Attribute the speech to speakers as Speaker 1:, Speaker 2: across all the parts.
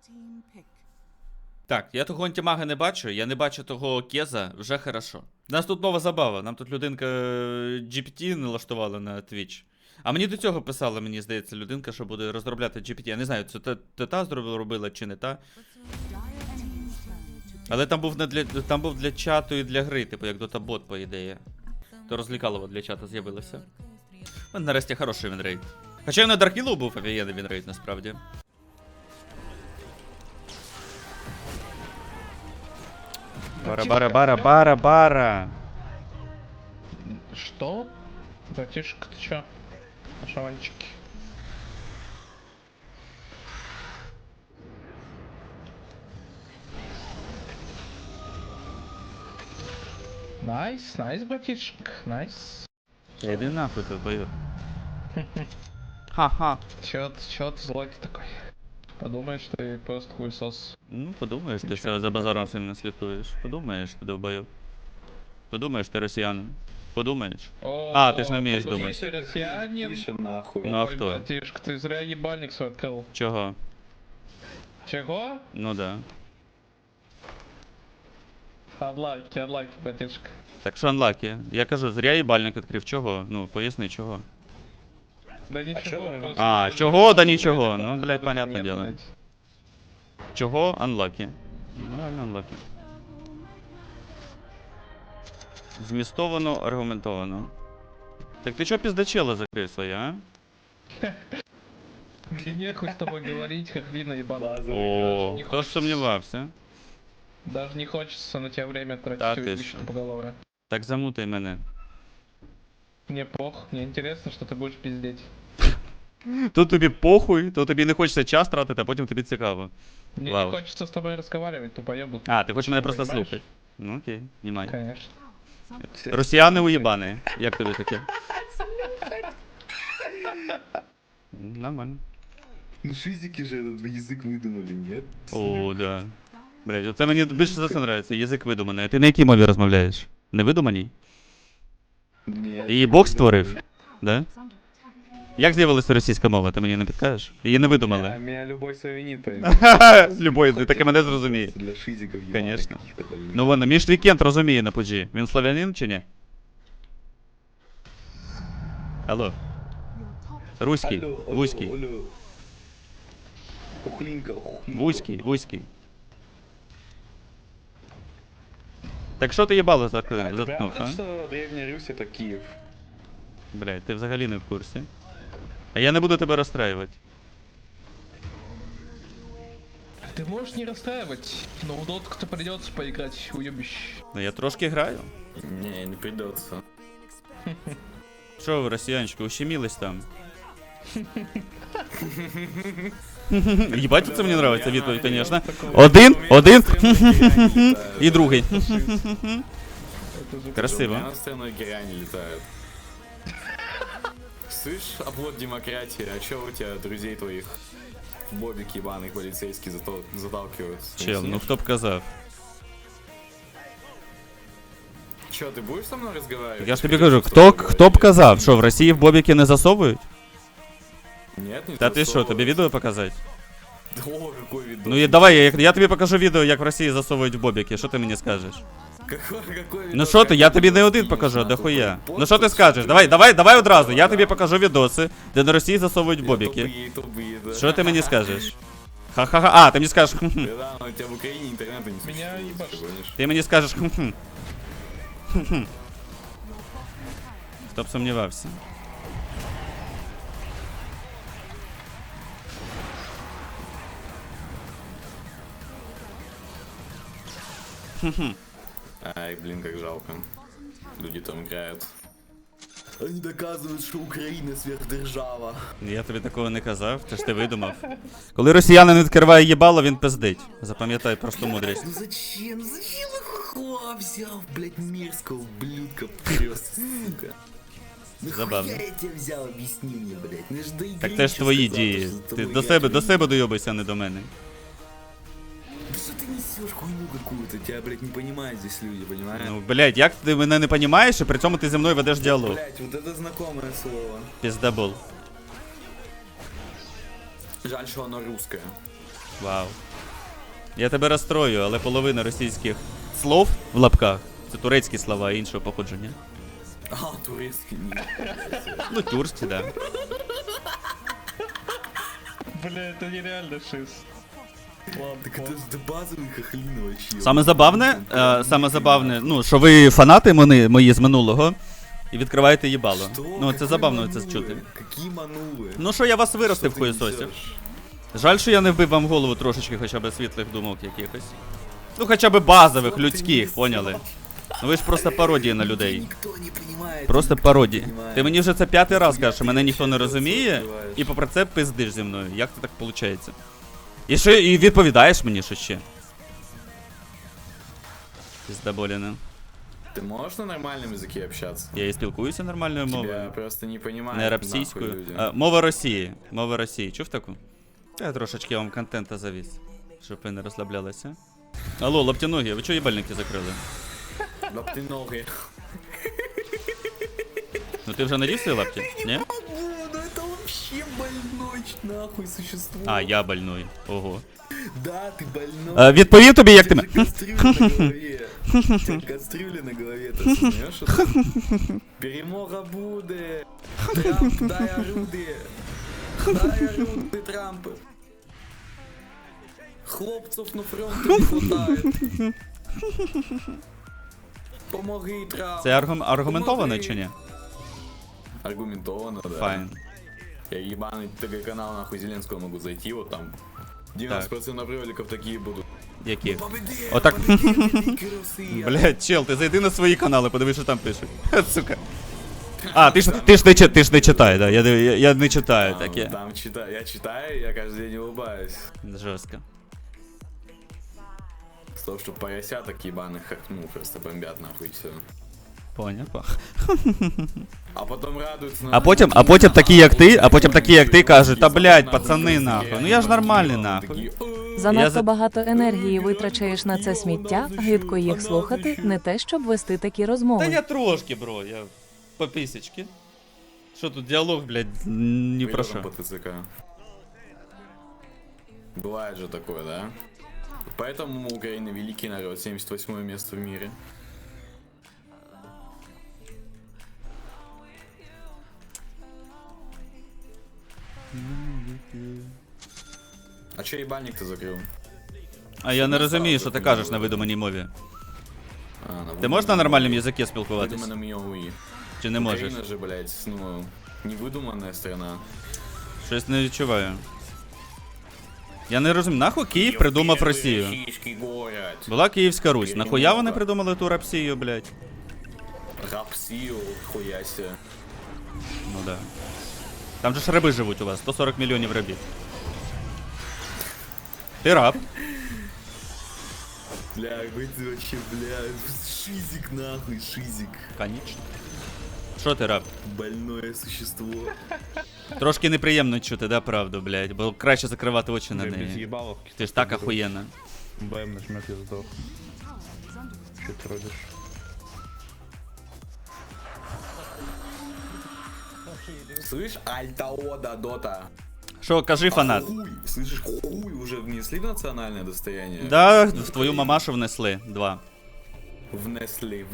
Speaker 1: Так, я того антимага не бачу, я не бачу того Кеза, вже хорошо. У нас тут нова забава, нам тут людинка GPT налаштувала на Twitch. А мені до цього писала, мені здається, людинка, що буде розробляти GPT. Я не знаю, це та робила чи не та. Але там був для чату і для гри, типу як Dota-бот, по ідеї. То розлікалово для чату з'явилося. У мене нарешті хороший вінрейт. Хоча і на Даркілу був офігенний вінрейт, насправді. Бара-бара-бара-бара-бара.
Speaker 2: Что? Братишка, ты чё? Шаванчики. Найс, найс, братишек, найс.
Speaker 1: Иди нахуй тут, бою. Ха-ха.
Speaker 2: Чё ты злой ты такой? Подумаешь, ты просто хуесос.
Speaker 1: Ну, подумаєш, ти все за базаром сильно слідкуєш. Подумаєш, ти довбойов. Подумаєш, ти росіянин. Подумаєш. А, ты ж не умеешь думать.
Speaker 2: Ты россиянин.
Speaker 3: Тише нахуй.
Speaker 1: Ну а
Speaker 2: Ой,
Speaker 1: хто?
Speaker 2: братишка, ты зря ебальник свой открыл.
Speaker 1: Чого?
Speaker 2: Чего?
Speaker 1: Ну да.
Speaker 2: Unlucky, братишка.
Speaker 1: Так що анлакі. Я кажу, зря їбальник відкрив. Чого? Ну, поясни, чого.
Speaker 2: Да ничего,
Speaker 3: чё?
Speaker 2: просто-
Speaker 1: А, чого? Да нічого. Ну, блядь, понятне дело.
Speaker 2: Блядь.
Speaker 1: Чого? Unlucky. Ну, реально unlucky. Змістовано, аргументовано. Так ти чого піздачела закрив своє, а?
Speaker 2: Мне нехуй с тобой говорить, как вина ебаная.
Speaker 1: О, хто ж сумнівався?
Speaker 2: Даже не хочется на тебя время
Speaker 1: Да
Speaker 2: тратить,
Speaker 1: ты
Speaker 2: увеличить
Speaker 1: что?
Speaker 2: поголовье.
Speaker 1: Так замутай мене.
Speaker 2: Мне пох, мне интересно, что ты будешь пиздеть.
Speaker 1: Тут тобі похуй, то тобі не хочеться час тратити, а потім тобі цікаво.
Speaker 2: Мне
Speaker 1: Вау.
Speaker 2: не хочется с тобой разговаривать, тупоебу.
Speaker 1: А, ти хочеш мене просто
Speaker 2: Понимаешь?
Speaker 1: слухати. Ну окей, знімай.
Speaker 2: Конечно.
Speaker 1: Росіяни уєбани. Як тобі таке? Нормально.
Speaker 3: Ну шизики же этот язык выдумали, нет?
Speaker 1: О, да. Блять, оце мені більше за це нравиться, язик видуманий. А ти на якій мові розмовляєш? Не видуманій?
Speaker 3: Нет.
Speaker 1: Її Бог створив? Да? Як з'явилася російська мова, ти мені не підкажеш? Її не
Speaker 3: А
Speaker 1: видумали.
Speaker 3: меня любой славянин поймет.
Speaker 1: Любой, ти таки мене зрозуміє.
Speaker 3: Для шизиков ебаных
Speaker 1: Конечно.
Speaker 3: каких-то, блин.
Speaker 1: Ну вон, між вікенд розуміє на пуджі. Він славянин чи ні? Алло. Руський,
Speaker 3: Алло, алло,
Speaker 1: вузький,
Speaker 3: алло. Ухлинка, ухлинка.
Speaker 1: вузький, вузький. Так що ти їбало заткнув, а?
Speaker 3: Правда, что Древняя Русь это Киев?
Speaker 1: Блядь, ти взагалі не в курсі. А я не буду тебе розстраювати.
Speaker 2: Ты можешь не расстраивать, но в дотку-то придется поиграть, уебище.
Speaker 1: Ну я трошки граю.
Speaker 3: Не, не придется.
Speaker 1: Що ви, росіянчики, ущемілись там? Ебать, це мені нравиться відповідь, конечно. Один, і другий. Красиво.
Speaker 4: У меня на стороной геряне летают. Слышь, оплот демократии, а чё у тебя друзей твоих в бобик ебаный полицейский заталкивают?
Speaker 1: Чел, ну хто б казав.
Speaker 4: Чё, ты будешь со мной разговаривать?
Speaker 1: Я ж тобі кажу, хто б казав, що в Росії в бобіки не засовують?
Speaker 4: Нет, не
Speaker 1: Та ти що,
Speaker 4: засовывают.
Speaker 1: тобі відео показати?
Speaker 4: О, какой видос.
Speaker 1: Ну і давай, я тобі покажу відео, як в Росії засовують в бобіки, що ти мені скажеш?
Speaker 4: Какой видос?
Speaker 1: Ну що ти, я тобі не один
Speaker 4: Кинешь,
Speaker 1: покажу,
Speaker 4: нахуй,
Speaker 1: дохуя.
Speaker 4: пост
Speaker 1: Ну що ти
Speaker 4: тут
Speaker 1: скажеш?
Speaker 4: всё,
Speaker 1: Давай одразу, я тобі покажу відоси, де на Росії засовують в бобіки.
Speaker 4: Тупые, да.
Speaker 1: Що ти мені скажеш? Ха-ха-ха, а, ти мені скажеш хм-хм.
Speaker 4: Да, но у тебя в Украине интернета не существует.
Speaker 2: Меня ебашит.
Speaker 4: ты гонишь.
Speaker 1: Ти мені скажеш хм-хм. Хм-хм. Хто б сумнівався.
Speaker 4: Ай, блин, как жалко. Люди там играют. Они доказывают, что Украина сверхдержава.
Speaker 1: Я тобі такого не казав, це ж ти видумав. Коли росіянин відкриває їбало, він пиздить. Запам'ятай просту мудрість.
Speaker 4: Ну зачем? Зачем их хуа взял, блять, мерзкого ублюдка просто, сука?
Speaker 1: Забавно.
Speaker 4: Нахуя я тебя взял, объясни мне, блять. Ну, я ж до игры
Speaker 1: Так це ж
Speaker 4: еще
Speaker 1: твої
Speaker 4: сказал,
Speaker 1: дії.
Speaker 4: что за
Speaker 1: Ти
Speaker 4: тобой
Speaker 1: до
Speaker 4: я
Speaker 1: себе дойобайся, а не до мене.
Speaker 4: Да что ты несешь хуйню какую-то? Тебя, блять, не понимают здесь люди, понимаешь?
Speaker 1: Ну, блядь, як ти мене не понімаєш, і при цьому ти зі мною ведеш діалог.
Speaker 4: Блять, вот это знакомое слово.
Speaker 1: Піздабол.
Speaker 4: Жаль, что оно русское.
Speaker 1: Вау. Я тебе розстрою, але половина російських слов в лапках це турецькі слова іншого походження.
Speaker 4: А, турецкий не.
Speaker 1: Ну, тюркські, да.
Speaker 2: Бля, это нереально шиз. Ладно,
Speaker 4: Так это же базовый хохлин вообще.
Speaker 1: Саме забавне, ну, що ви фанати мої з минулого і відкриваєте їбало.
Speaker 4: Что?
Speaker 1: Ну, це
Speaker 4: Какой
Speaker 1: забавно
Speaker 4: манулы?
Speaker 1: це чути.
Speaker 4: Какие манулы?
Speaker 1: Ну, що я вас виростив в
Speaker 4: Что ты
Speaker 1: хуєсосі.
Speaker 4: несешь?
Speaker 1: Жаль, що я не вбив вам голову трошечки хоча б світлих думок якихось. Ну, хоча б базових,
Speaker 4: Что ты
Speaker 1: людських,
Speaker 4: несешь?
Speaker 1: поняли? Ну ви ж просто пародії на людей.
Speaker 4: Никто не понимает.
Speaker 1: Просто
Speaker 4: никто не
Speaker 1: пародії.
Speaker 4: понимает.
Speaker 1: Ти мені вже це 5-й раз кажеш, що мене
Speaker 4: Ты
Speaker 1: ніхто не
Speaker 4: вообще
Speaker 1: розуміє,
Speaker 4: открываешь.
Speaker 1: і попри це пиздиш зі мною. Як це так виходить? І ще і відповідаєш мені, що ще. Піздаболіна.
Speaker 4: Ты можешь на нормальном языке общаться?
Speaker 1: Я і спілкуюся нормальною
Speaker 4: Тебя
Speaker 1: мовою.
Speaker 4: просто не понимают.
Speaker 1: Не
Speaker 4: нахуй
Speaker 1: російською.
Speaker 4: люди.
Speaker 1: Мова Росії. Мова Росії. Чув таку? Я трошечки вам контента завіз, щоб ви не розслаблялися. Алло, лаптяногі, ви чого їбальники закрили?
Speaker 4: Лаптиноги.
Speaker 1: Ну ти вже надів свої лапті? Ні?
Speaker 4: Ну это вообще больной нахуй существо.
Speaker 1: А, я больной. Ого.
Speaker 4: Да, ты больной.
Speaker 1: Відповів тобі, як ти.
Speaker 4: У тебя кастрюля на голове. У тебя кастрюля на голове, ты осознаешь это? Перемога буде. Трамп, дай орудие. Дай орудие, Трамп. Хлопців на фронті не хватает. Помоги, Трамп.
Speaker 1: Це аргументовано чи ні?
Speaker 4: Аргументовано, да.
Speaker 1: Файн.
Speaker 4: Я ебаный ТГ-канал нахуй Зеленского могу зайти, вот там 90% роликов такие будут.
Speaker 1: Які?
Speaker 4: Победи,
Speaker 1: Отак.
Speaker 4: победи, великий Росія.
Speaker 1: Блять, чел, ти зайди на свої канали, подивись, що там пишуть. Сука. А, ти ж не читай, да? Я не читаю таке.
Speaker 4: Там я читаю, я каждый день улыбаюсь.
Speaker 1: Жорстко.
Speaker 4: С того, что поросяток ебаных, как, ну, просто бомбят нахуй все.
Speaker 1: Поняв.
Speaker 4: А потом радуются.
Speaker 1: А потім такі, як ти, кажуть, та блять, пацани нахуй. Ну я ж нормальний нахуй.
Speaker 5: Занадто
Speaker 1: за-
Speaker 5: багато енергії витрачаєш на це сміття, гидко їх слухати, не те, щоб вести такі
Speaker 1: Та
Speaker 5: розмови.
Speaker 1: я трошки, бро, я по пісечки. Що тут діалог, блядь, ні про що.
Speaker 4: По ТЦК. Бывает же такое, да? Поэтому Украина великий народ, 78 место в мире. А чё ебальник ты закрыл?
Speaker 1: А я не розумію, що ти кажеш на видуманій мові. Ти можеш на нормальному язикі спілкуватись?
Speaker 4: Выдуманном языке.
Speaker 1: Чи не можеш?
Speaker 4: Украина же, блядь, ну, невыдуманная страна.
Speaker 1: Щось не відчуваю. Я не розумію, нахуй Київ придумав Росію?
Speaker 4: Российский город.
Speaker 1: Була Київська Русь. Нахуя вони придумали ту Росію, блядь?
Speaker 4: Рапсию, хуя себе.
Speaker 1: Ну да. Там же ж раби живуть у вас, 140 мільйонів рабів. Ти раб.
Speaker 4: Бля, ты вообще, бля, шизик нахуй, шизик.
Speaker 1: Конечно. Що ти раб?
Speaker 4: Больное существо.
Speaker 1: Трошки неприємно чути, да, правду, блядь, бо краще закривати очі на
Speaker 2: Без
Speaker 1: неї.
Speaker 2: ебалов.
Speaker 1: Ти ж так охуєнна.
Speaker 2: БМ нажмет, я сдох. Че ты родишь?
Speaker 4: Слышь, Альтаода, Дота.
Speaker 1: Що, кажи, фанат.
Speaker 4: Хуй, слышишь, хуй уже внесли в национальное достояние?
Speaker 1: Да, в твою мамашу внесли. 2.
Speaker 4: Внесли.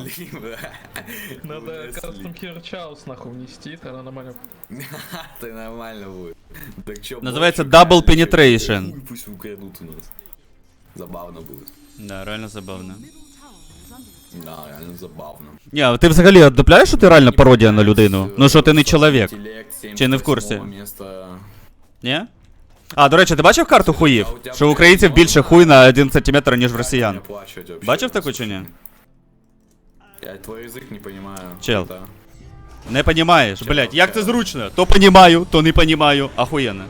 Speaker 2: Надо
Speaker 4: Внесли.
Speaker 2: Custom Hero Chaos нахуй внести, тогда нормально.
Speaker 4: Это нормально будет. Так чё,
Speaker 1: Называется
Speaker 4: больше,
Speaker 1: Double
Speaker 4: реально,
Speaker 1: Penetration.
Speaker 4: хуй пусть украдут у нас. Забавно будет.
Speaker 1: Да, реально забавно.
Speaker 4: Да, реально забавно.
Speaker 1: Ні, а ти взагалі отдупляєш, що ти реально пародія на людину? Ну що ти не чоловік? Чи не в курсі? Ні? А, до речі, ти бачив карту хуїв? Що у українців більше хуй на 1 см, ніж в росіян. Бачив таку чи ні?
Speaker 4: Я твой язык не понимаю.
Speaker 1: Чел.
Speaker 4: Это-
Speaker 1: Не понімаєш, блять, як це зручно? То понімаю, то не понімаю. Ахуєнно.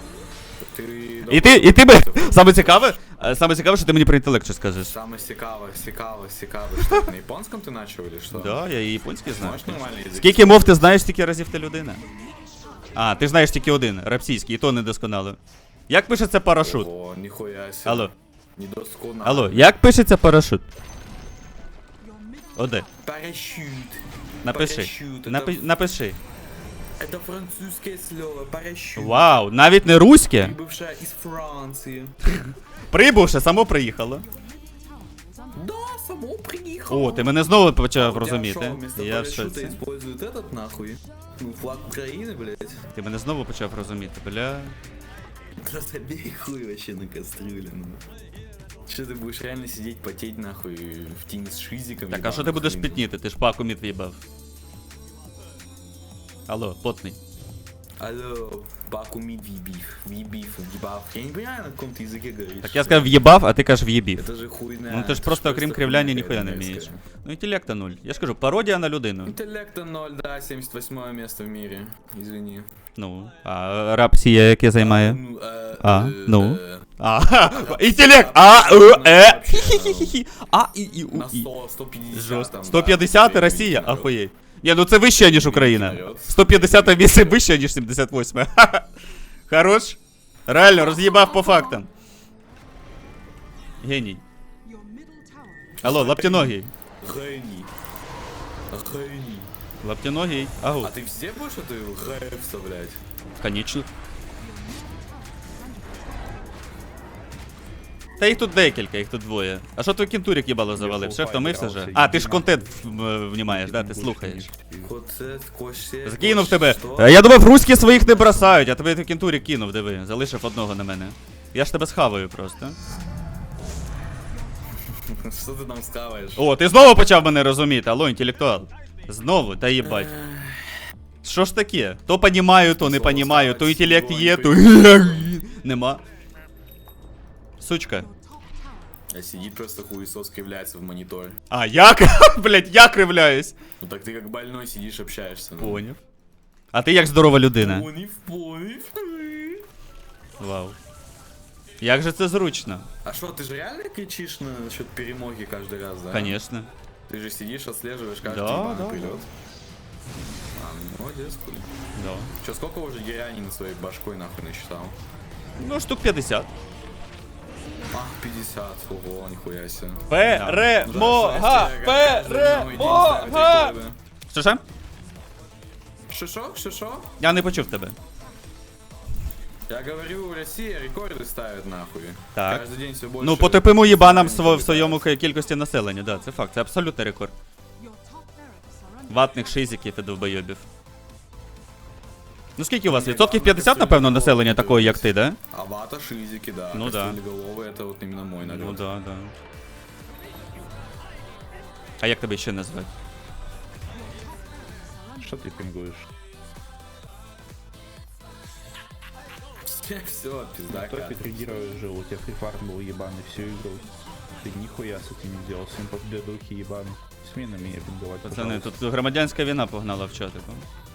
Speaker 4: Ты
Speaker 1: І ти би, саме цікаве, що ти мені про інтелект щось скажеш.
Speaker 4: Самое сикаво. Что, на японском ты начал или что?
Speaker 1: Да, я і японський знаю.
Speaker 4: Можешь нормальный язык?
Speaker 1: Скільки мов ти знаєш, стільки разів ти людина. А, ти знаєш тільки один, рапсійський, і то недосконало. Як пишеться парашут?
Speaker 4: О, нихуя себе.
Speaker 1: Алло,
Speaker 4: Недосконально.
Speaker 1: алло, як пишеться парашут? Оде,
Speaker 4: Парашют.
Speaker 1: напиши.
Speaker 4: Парашют, это-
Speaker 1: Напиши.
Speaker 4: Это французское слово, парашют.
Speaker 1: Вау, навіть не руське.
Speaker 4: Прибывшая из Франции.
Speaker 1: Прибувши, само приїхало.
Speaker 4: Да, само приехал.
Speaker 1: О, ти мене знову почав
Speaker 4: У тебя
Speaker 1: розуміти.
Speaker 4: шо, вместо
Speaker 1: Я в
Speaker 4: парашюта
Speaker 1: шоці.
Speaker 4: используют этот нахуй? Ну, флаг Украины, блядь.
Speaker 1: Ти мене знову почав розуміти, бля.
Speaker 4: Просто бей хуй вообще на кастрюле, ну. Что ты будешь реально сидеть, потеть нахуй в тени с шизиком?
Speaker 1: Так, а що ти будеш пітніти? Ти ж паку мід в'їбав. Алло, потний.
Speaker 4: Алло, паку мид вибив, Я не понимаю, на каком ты языке говоришь.
Speaker 1: Так я сказав в'єбав, а ти кажеш в'єбів.
Speaker 4: Это же хуйня.
Speaker 1: Ну ти ж
Speaker 4: это
Speaker 1: просто окрім кривляння
Speaker 4: хуйня
Speaker 1: ніхуя не
Speaker 4: мерзкая.
Speaker 1: вмієш. Ну інтелекта 0. Я ж кажу, пародія на людину.
Speaker 4: Интеллекта 0, да, 78 место в мире. Извини.
Speaker 1: Ну, а рапсія яке займає?
Speaker 4: Ну,
Speaker 1: ну. А, інтелект! Хі-хі-хі-хі.
Speaker 4: На
Speaker 1: І.
Speaker 4: 100, 150.
Speaker 1: Жорстко.
Speaker 4: там,
Speaker 1: 150
Speaker 4: да,
Speaker 1: Росія?
Speaker 4: вперед.
Speaker 1: Ахуєть. Ні, ну це вище, ніж Україна.
Speaker 4: Вперед.
Speaker 1: 150 місце вище, ніж 78. Хорош? Реально, роз'їбав по фактам. Геній. Алло, лаптяногий.
Speaker 4: Гений. Гений.
Speaker 1: Лаптяногий. Агу.
Speaker 4: А ты везде будешь эту г вставлять?
Speaker 1: Конечно. Та їх тут декілька, їх тут двоє. А що твій кінтурик їбало завалив? Шеф втомився же? А, ти ж контент внімаєш, да? Ти слухаєш.
Speaker 4: Коцет, косе.
Speaker 1: Закинув тебе. Я думав, руські своїх не бросають, а тебе той кінтурик кинув, диви. Залишив одного на мене. Я ж тебе схаваю просто.
Speaker 4: Что ты там скаваешь?
Speaker 1: О, ти знову почав мене розуміти, алло, інтелектуал. Знову, та їбать. Що ж таке? То понімаю, то не понімаю, то інтелект є, то нема. Сучка.
Speaker 4: А сидит просто хуесос кривляется в монитор.
Speaker 1: А, як? Блять, я кривляюсь.
Speaker 4: Ну так ты как больной сидишь, общаешься. Ну.
Speaker 1: Поняв. А ти як здорова людина.
Speaker 4: Понив.
Speaker 1: Вау. Як же це зручно?
Speaker 4: А что, ты же реально кричишь насчет перемоги каждый раз, да?
Speaker 1: Конечно.
Speaker 4: Ты же сидишь, отслеживаешь каждый
Speaker 1: Да,
Speaker 4: ебаный
Speaker 1: да.
Speaker 4: прилет. А, ну, молодец, хуй.
Speaker 1: Да.
Speaker 4: Че, сколько уже Герянин своей башкой нахуй насчитал?
Speaker 1: Ну, штук 50.
Speaker 4: А, 50, ого, нихуя себе.
Speaker 1: Перемога! Перемога! Що ще?
Speaker 4: Шишо?
Speaker 1: Я не почув тебе.
Speaker 4: Я говорю, Россия рекорды ставит нахуй.
Speaker 1: Так.
Speaker 4: Каждый день все больше.
Speaker 1: Ну, потопимо їбанам в
Speaker 4: Ставить.
Speaker 1: своєму кількості населення, да, це факт, це абсолютний рекорд. Ватних шизиків і довбойобів. Ну скільки у вас? Відсотків 50, напевно, населення такої, як ти, да?
Speaker 4: А вата шизики, да.
Speaker 1: Ну да.
Speaker 4: Кастрюлеголовые, это вот именно мой народ.
Speaker 1: Ну да, да. А як тебе ще назвати?
Speaker 6: Что ты пингуешь?
Speaker 4: Все, пизда.
Speaker 6: Кто Петригирович жил? У тебя фрифарм был ебаный всю игру. Ты нихуя с этим не делал, всем подбедухи ебаный. Смей на меня пинговать,
Speaker 1: Пацани,
Speaker 6: пожалуйста.
Speaker 1: тут громадянська війна погнала в чатику.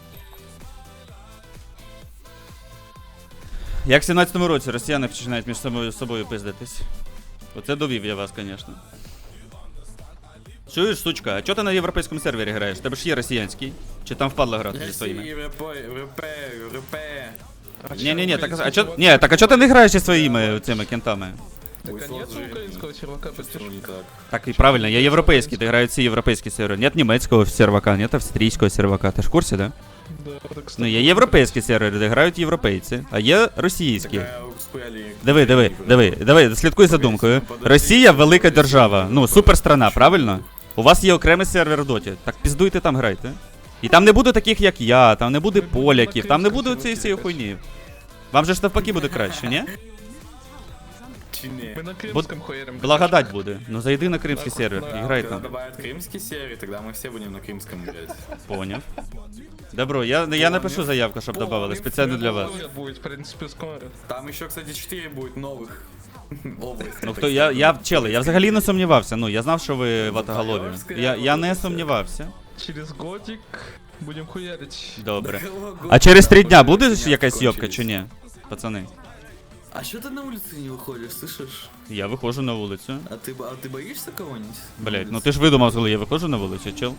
Speaker 1: Як в 17-му році росіяни починають між собою пиздитись. Оце довів я вас, звісно. Чуєш, сучка, а чого ти на європейському сервері граєш? Тебе ж є росіянський? Чи там впадло грати зі своїми?
Speaker 4: РП.
Speaker 1: Ні-ні-ні, так а чого ти не граєш зі своїми цими кентами?
Speaker 2: Так а нет украинского сервака, почти.
Speaker 1: Так і правильно, я європейський, ти грають всі європейські сервери. Нет німецького сервака, нет австрійського сервака. Ти ж в курсі, да?
Speaker 2: Да, так, кстати,
Speaker 1: Ну, є європейські сервери, де грають європейці, а є російські.
Speaker 4: Диви.
Speaker 1: Диви, слідкуй за думкою. Росія велика держава, ну, суперстрана, правильно? У вас є окремий сервер в доті, так піздуйте там грайте. І там не буде таких, як я, там не буде поляків, там не буде цієї всієї хуйні. Вам же ж навпаки буде краще, ні?
Speaker 2: Мы на крымском хуярим.
Speaker 1: Благодать буде. Ну зайди на кримський сервер і грай
Speaker 4: Когда
Speaker 1: там.
Speaker 4: добавят крымский сервер, тогда мы все будем на крымском играть.
Speaker 1: Поняв. Добро, я напишу заявку, щоб додавали, спеціально для вас.
Speaker 2: Будет, в принципе, скоро.
Speaker 4: Там еще, кстати, 4 будет новых областей.
Speaker 1: Ну хто, я взагалі не сумнівався, ну, я знав, що ви ватоголові. Я не сумнівався.
Speaker 2: Через годик будем хуярить.
Speaker 1: Добре. А через 3 дня буде якась зйобка чи ні? Пацани.
Speaker 4: А что ты на улице не выходишь, слышишь?
Speaker 1: Я виходжу на вулицю.
Speaker 4: А ты боишься кого-нибудь?
Speaker 1: Блять, ну ти ж видумав, коли я виходжу на вулицю, чел?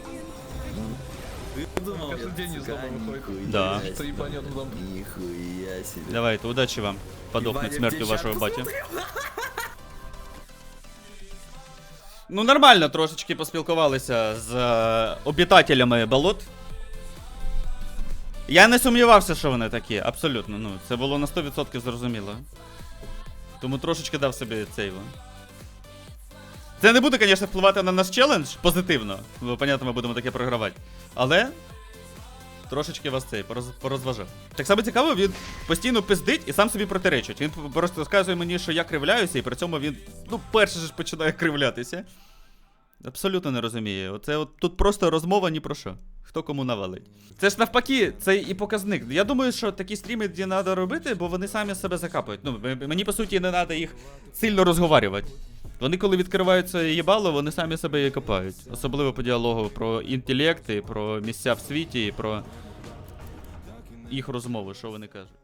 Speaker 4: Ты думал,
Speaker 2: Каждый день из дома выходит.
Speaker 1: Да.
Speaker 2: Что ебанет в дом.
Speaker 4: Нихуя себе.
Speaker 1: Давайте, удачі вам. Подохнуть смертю вашого батя. Ну нормально, трошечки поспілкувалися з обітателями болот. Я не сумнівався, що вони такі, абсолютно. Ну, це було на 100% зрозуміло. Тому трошечки дав собі цей. Це не буде, звісно, впливати на наш челендж позитивно. Бо, понятно, ми будемо таке програвати. Але трошечки вас цей порозважав. Так само цікаво, він постійно пиздить і сам собі протиречить. Він просто розказує мені, що я кривляюся, і при цьому він, ну, перший ж починає кривлятися. Абсолютно не розуміє. Оце от тут просто розмова ні про що. Хто кому навалить. Це ж навпаки, це і показник. Я думаю, що такі стріми треба робити, бо вони самі себе закапують. Ну, мені, по суті, не треба їх сильно розговарювати. Вони, коли відкриваються їбало, вони самі себе і копають. Особливо по діалогу про інтелекти, про місця в світі, про їх розмови, що вони кажуть.